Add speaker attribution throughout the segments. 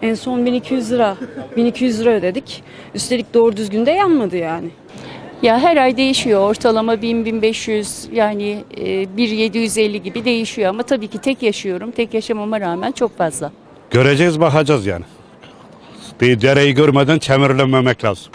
Speaker 1: En son 1200 lira. 1200 lira ödedik. Üstelik doğru düzgün de yanmadı yani.
Speaker 2: Ya her ay değişiyor. Ortalama 1000-1500 yani 1750 gibi değişiyor ama tabii ki tek yaşıyorum. Tek yaşamama rağmen çok fazla.
Speaker 3: Göreceğiz, bakacağız yani. Bir dereyi görmeden çemirlenmemek lazım.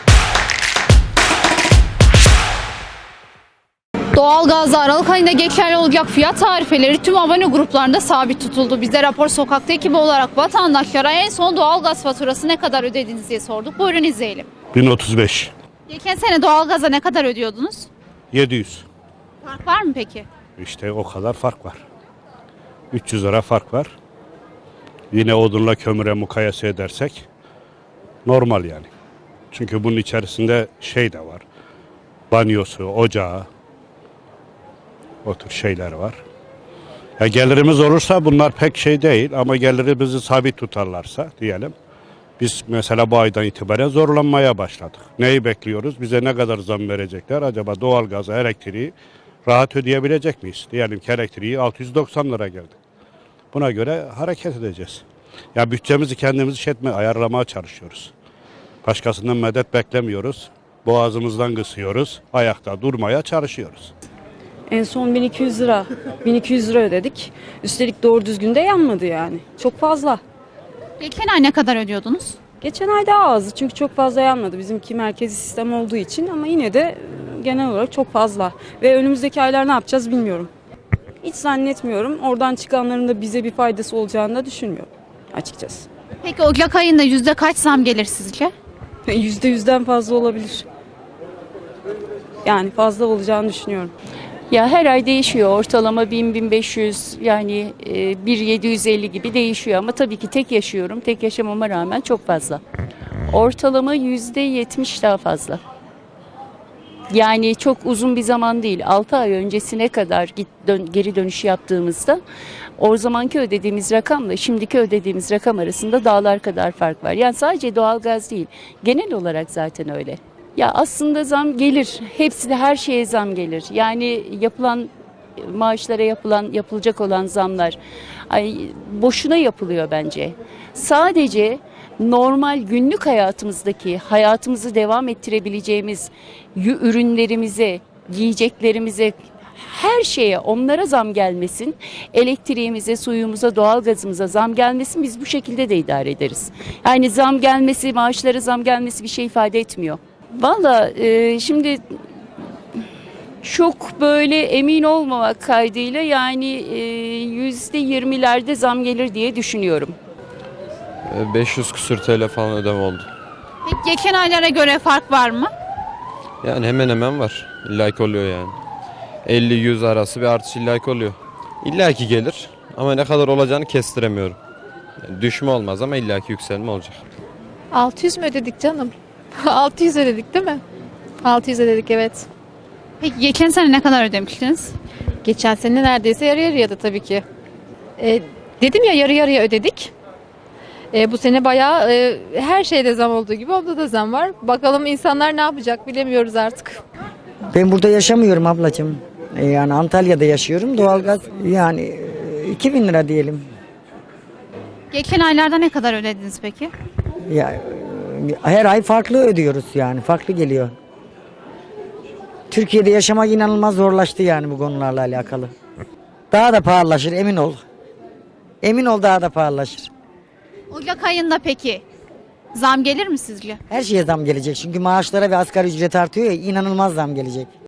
Speaker 4: Doğalgazda Aralık ayında geçerli olacak fiyat tarifeleri tüm abone gruplarında sabit tutuldu. Biz de Rapor Sokak'ta ekibi olarak vatandaşlara en son doğalgaz faturası ne kadar ödediniz diye sorduk. Buyurun izleyelim.
Speaker 3: 1035,
Speaker 4: Geçen sene doğalgaza ne kadar ödüyordunuz?
Speaker 3: 700.
Speaker 4: Fark var mı peki?
Speaker 3: İşte o kadar fark var. 300 lira fark var. Yine odunla kömüre mukayese edersek normal yani. Çünkü bunun içerisinde şey de var. Banyosu, ocağı, o tür şeyler var. Ya gelirimiz olursa bunlar pek şey değil ama gelirimizi sabit tutarlarsa diyelim. Biz mesela bu aydan itibaren zorlanmaya başladık. Neyi bekliyoruz? Bize ne kadar zam verecekler? Acaba doğalgazı, elektriği rahat ödeyebilecek miyiz? Diyelim ki elektriği 690 lira geldi. Buna göre hareket edeceğiz. Ya bütçemizi kendimiz ayarlamaya çalışıyoruz. Başkasından medet beklemiyoruz. Boğazımızdan kısıyoruz. Ayakta durmaya çalışıyoruz.
Speaker 1: En son 1200 lira. 1200 lira ödedik. Üstelik doğru düzgün de yanmadı yani. Çok fazla.
Speaker 4: Geçen ay ne kadar ödüyordunuz?
Speaker 1: Geçen ay daha azdı çünkü çok fazla yanmadı. Bizimki merkezi sistem olduğu için ama yine de genel olarak çok fazla. Ve önümüzdeki aylar ne yapacağız bilmiyorum. Hiç zannetmiyorum. Oradan çıkanların da bize bir faydası olacağını da düşünmüyorum açıkçası.
Speaker 4: Peki Ocak ayında yüzde kaç zam gelir sizce?
Speaker 1: %100'den fazla olabilir. Yani fazla olacağını düşünüyorum.
Speaker 2: Ya her ay değişiyor. Ortalama 1000-1500 yani 1750 gibi değişiyor ama tabii ki tek yaşıyorum. Tek yaşamama rağmen çok fazla. Ortalama %70 daha fazla. Yani çok uzun bir zaman değil. 6 ay öncesine kadar geri dönüş yaptığımızda o zamanki ödediğimiz rakamla şimdiki ödediğimiz rakam arasında dağlar kadar fark var. Yani sadece doğalgaz değil. Genel olarak zaten öyle. Ya aslında zam gelir. Hepsi de her şeye zam gelir. Yani yapılan maaşlara yapılacak olan zamlar boşuna yapılıyor bence. Sadece normal günlük hayatımızı devam ettirebileceğimiz ürünlerimize, giyeceklerimize, her şeye onlara zam gelmesin. Elektriğimize, suyumuza, doğalgazımıza zam gelmesin. Biz bu şekilde de idare ederiz. Yani zam gelmesi, maaşlara zam gelmesi bir şey ifade etmiyor. Valla şimdi çok böyle emin olmamak kaydıyla yani %20'lerde zam gelir diye düşünüyorum.
Speaker 5: 500 küsür TL falan ödeme oldu.
Speaker 4: Peki geçen aylara göre fark var mı?
Speaker 5: Yani hemen hemen var. İllaki oluyor yani. 50-100 arası bir artış illaki oluyor. İllaki gelir ama ne kadar olacağını kestiremiyorum. Yani düşme olmaz ama illaki yükselme olacak.
Speaker 6: 600 mü ödedik canım? 600 ödedik değil mi? 600 ödedik evet.
Speaker 4: Peki geçen sene ne kadar ödemiştiniz?
Speaker 6: Geçen sene neredeyse yarı yarıyadı tabii ki. Dedim ya yarı yarıya ödedik. Bu sene bayağı her şeyde zam olduğu gibi onda da zam var. Bakalım insanlar ne yapacak bilemiyoruz artık.
Speaker 7: Ben burada yaşamıyorum ablacığım. Yani Antalya'da yaşıyorum. Doğalgaz yani 2000 lira diyelim.
Speaker 4: Geçen aylarda ne kadar ödediniz peki?
Speaker 7: Ya, her ay farklı ödüyoruz yani. Farklı geliyor. Türkiye'de yaşamak inanılmaz zorlaştı yani bu konularla alakalı. Daha da pahalılaşır emin ol. Emin ol daha da pahalılaşır.
Speaker 4: Ocak ayında peki zam gelir mi sizce?
Speaker 7: Her şeye zam gelecek çünkü maaşlara ve asgari ücret artıyor ya inanılmaz zam gelecek.